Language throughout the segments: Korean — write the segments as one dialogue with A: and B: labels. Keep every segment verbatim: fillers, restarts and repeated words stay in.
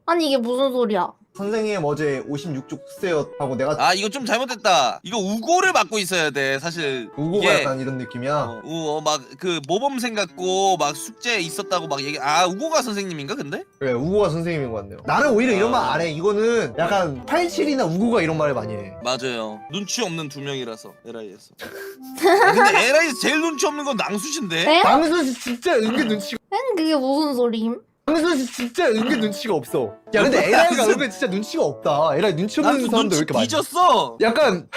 A: 아니 이게 무슨 소리야?
B: 선생님 어제 오십육 쪽 쓰세요 하고 내가
C: 아 이거 좀 잘못됐다. 이거 우고를 맡고 있어야 돼 사실.
B: 우고가
C: 이게
B: 약간 이런 느낌이야.
C: 어, 우, 어, 막 그 모범생 같고 막 숙제 있었다고 막 얘기. 아 우고가 선생님인가 근데?
B: 그래 우고가 선생님인 것 같네요. 나는 오히려 이런 말 안 해. 이거는 약간 팔십칠이나 우고가 이런 말을 많이 해.
C: 맞아요. 눈치 없는 두 명이라서 에라이에서. 아, 근데 에라이에서 제일 눈치 없는 건 낭수신데.
A: 에?
B: 방수 씨 진짜 은근 눈치가
A: 엔 그게 무슨 소리임?
B: 방수 씨 진짜 은근 눈치가 없어. 야 근데 에라이가 은근 진짜 눈치가 없다. 에라이 눈치 없는
C: 낭수
B: 사람도 왜
C: 눈치
B: 이렇게 많이?
C: 뒤졌어.
B: 약간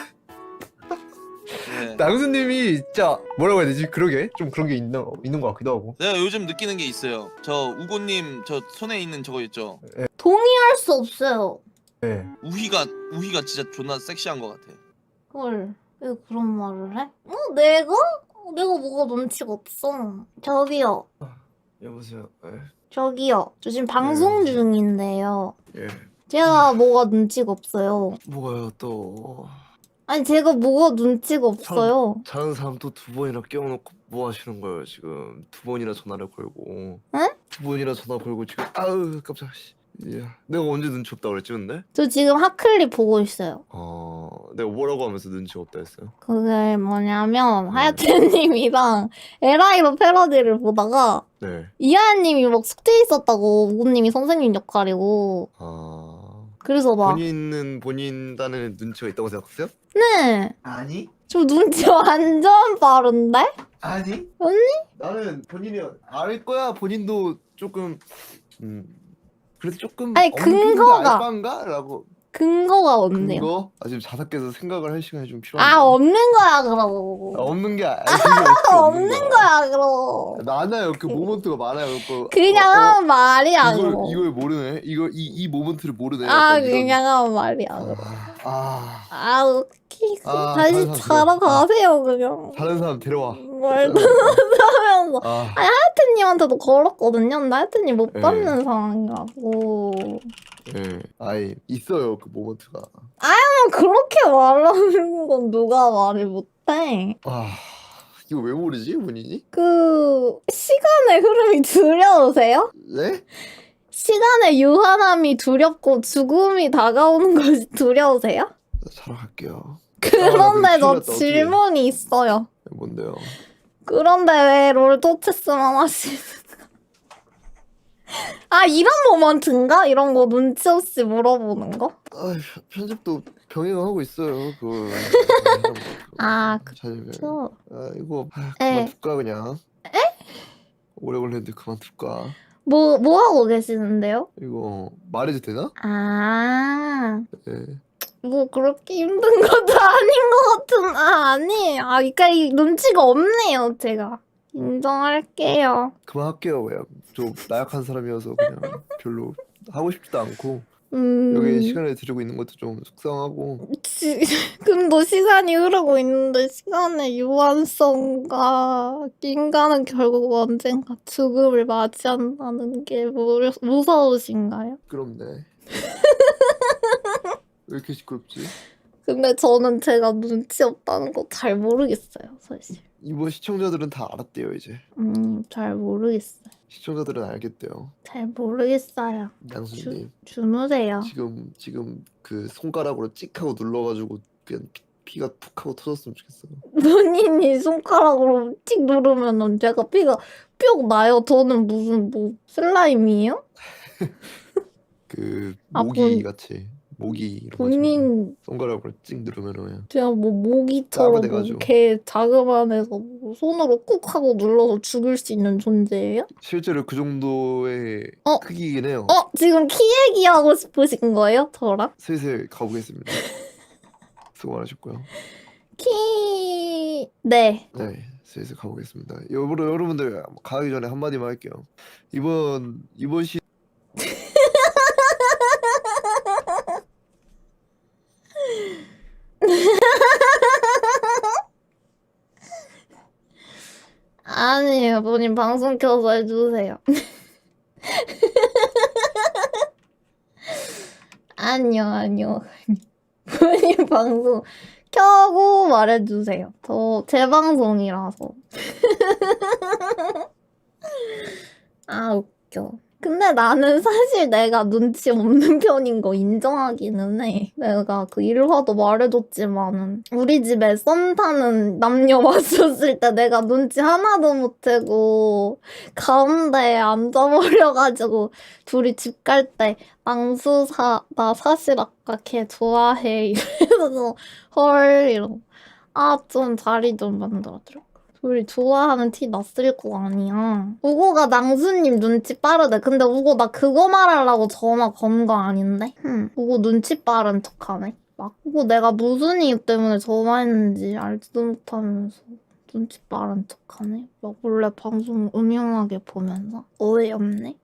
C: 네.
B: 낭수님이 진짜 뭐라고 해야 되지? 그러게 좀 그런 게 있는 있는 것 같기도 하고.
C: 내가 요즘 느끼는 게 있어요. 저 우고님 저 손에 있는 저거 있죠.
A: 동의할 수 없어요.
B: 네.
C: 우희가 우희가 진짜 존나 섹시한 것 같아.
A: 헐, 왜 그런 말을 해? 어, 내가? 어, 내가 뭐가 눈치가 없어. 저기요,
B: 여보세요. 예.
A: 저기요. 저 지금 방송
B: 네.
A: 중인데요.
B: 예.
A: 제가 뭐가 눈치가 없어요.
B: 뭐가요 또?
A: 아니 제가 뭐가 눈치가 없어요.
D: 자는 사람 또 두 번이나 깨워놓고 뭐 하시는 거예요 지금? 두 번이나 전화를 걸고.
A: 응?
D: 두 번이나 전화 걸고 지금 아우 깜짝. 야, 내가 언제 눈치 없다 그랬지 근데?
A: 저 지금 핫클립 보고 있어요.
D: 어, 내가 뭐라고 하면서 눈치 없다 했어요?
A: 그게 뭐냐면 하야테님이랑 에라이로 패러디를 보다가
D: 네.
A: 이하연님이 막 숙제 있었다고 우구님이 선생님 역할이고
D: 아,
A: 그래서 막
D: 본인은 본인 딴에는 눈치가 있다고 생각하세요?
A: 네.
B: 아니?
A: 저 눈치 완전 빠른데?
B: 아니?
A: 언니?
D: 나는 본인이 알 거야. 본인도 조금 음 그래도 조금
A: 아니,
D: 없는 편인데
A: 근거가.
D: 알바인가? 라고.
A: 근거가 없네요.
D: 근거? 아 지금 자석께서 생각을 할 시간이 좀 필요한데.
A: 아 없는 거야 그럼.
D: 아, 없는 게 아니 그게 어떻게
A: 없는 거야 그럼.
D: 많아요. 그 모먼트가 많아요. 그
A: 그냥
D: 어, 어,
A: 하는 말이야
D: 이걸
A: 그럼.
D: 이걸 모르네. 이거 이 이 모먼트를 모르네.
A: 아
D: 약간 이런-
A: 그냥 하는 말이야 그럼.
D: 아,
A: 아 웃기.
D: 아,
A: 다시
D: 다른 사람
A: 자러
D: 들어.
A: 가세요 그냥.
D: 다른 사람 데려와.
A: 말도 못하면서.
D: 아,
A: 하야테님한테도 걸었거든요. 근데 하야테님 못
D: 네.
A: 받는 상황이라고.
D: 예, 아이 있어요 그 모먼트가.
A: 그냥 그렇게 말하는 건 누가 말을 못해.
D: 아, 이거 왜 모르지 본인이?
A: 그 시간의 흐름이 두려우세요?
D: 네?
A: 시간의 유한함이 두렵고 죽음이 다가오는 것이 두려우세요?
D: 나 자러 갈게요.
A: 그런데
D: 아, 나
A: 저
D: 큰일 났다,
A: 질문이 있어요.
D: 뭔데요?
A: 그런데 왜 롤토체스만 하시는 아 이런 모먼트인가? 이런 거 눈치 없이 물어보는 거?
D: 아, 편집도 병행하고 있어요. 그.
A: 아
D: 잘.
A: 그쵸.
D: 아 이거 아,
A: 에.
D: 그만 둘까 그냥. 에? 오래 걸렸는데 그만 둘까?
A: 뭐, 뭐 하고 계시는데요?
D: 이거 말해도 되나?
A: 아,
D: 예.
A: 뭐 그렇게 힘든 것도 아닌 것 같은, 아, 아니에요. 아, 그러니까 이 눈치가 없네요, 제가. 인정할게요.
D: 그만할게요. 그냥 좀 나약한 사람이어서 그냥 별로 하고 싶지도 않고
A: 음,
D: 여기 시간을 들이고 있는 것도 좀 속상하고.
A: 지, 근데 시간이 흐르고 있는데 시간의 유한성과 인간은 결국 언젠가 죽음을 맞이한다는 게 무, 무서우신가요?
D: 시끄럽네. 왜 이렇게 시끄럽지?
A: 근데 저는 제가 눈치 없다는 거 잘 모르겠어요, 사실.
D: 이번 시청자들은 다 알았대요 이제.
A: 음, 잘 모르겠어요.
D: 시청자들은 알겠대요.
A: 잘 모르겠어요.
D: 양수님
A: 주무세요.
D: 지금 지금 그 손가락으로 찍 하고 눌러가지고 그냥 피, 피가 툭 하고 터졌으면 좋겠어요.
A: 본인이 손가락으로 찍 누르면 제가 피가 뿅 나요. 저는 무슨 뭐 슬라임이에요?
D: 그
A: 아,
D: 모기
A: 본-
D: 같이 모기 이런 거
A: 본인
D: 손가락으로 찍 누르면은 그냥
A: 제가 뭐 모기처럼
D: 돼가지고.
A: 뭐개 자그만해서 뭐 손으로 꾹 하고 눌러서 죽일 수 있는 존재예요?
D: 실제로 그 정도의
A: 어?
D: 크기이긴 해요.
A: 어? 지금 키 얘기하고 싶으신 거예요? 저랑?
D: 슬슬 가보겠습니다. 수고 많으셨고요.
A: 키... 네.
D: 네, 슬슬 가보겠습니다. 여러분 여러분들 가기 전에 한 마디만 할게요. 이번 이번 시
A: 아니에요. 본인 방송 켜서 해주세요. 아니요, 아니요. 본인 방송 켜고 말해주세요. 저 제 방송이라서. 아 웃겨. 근데 나는 사실 내가 눈치 없는 편인 거 인정하기는 해. 내가 그 일화도 말해줬지만은 우리 집에 썸 타는 남녀 왔었을 때 내가 눈치 하나도 못채고 가운데에 앉아버려가지고 둘이 집 갈 때 앙수사 나 사실 아까 걔 좋아해 이래서 헐 이러고 아 좀 자리 좀 만들어드려. 둘이 좋아하는 티 났을 거 아니야. 우고가 낭수님 눈치 빠르대. 근데 우고 나 그거 말하려고 전화 건 거 아닌데? 흠. 우고 눈치 빠른 척하네. 막 우고 내가 무슨 이유 때문에 전화했는지 알지도 못하면서 눈치 빠른 척하네. 막 원래 방송 음흉하게 보면서 어이없네.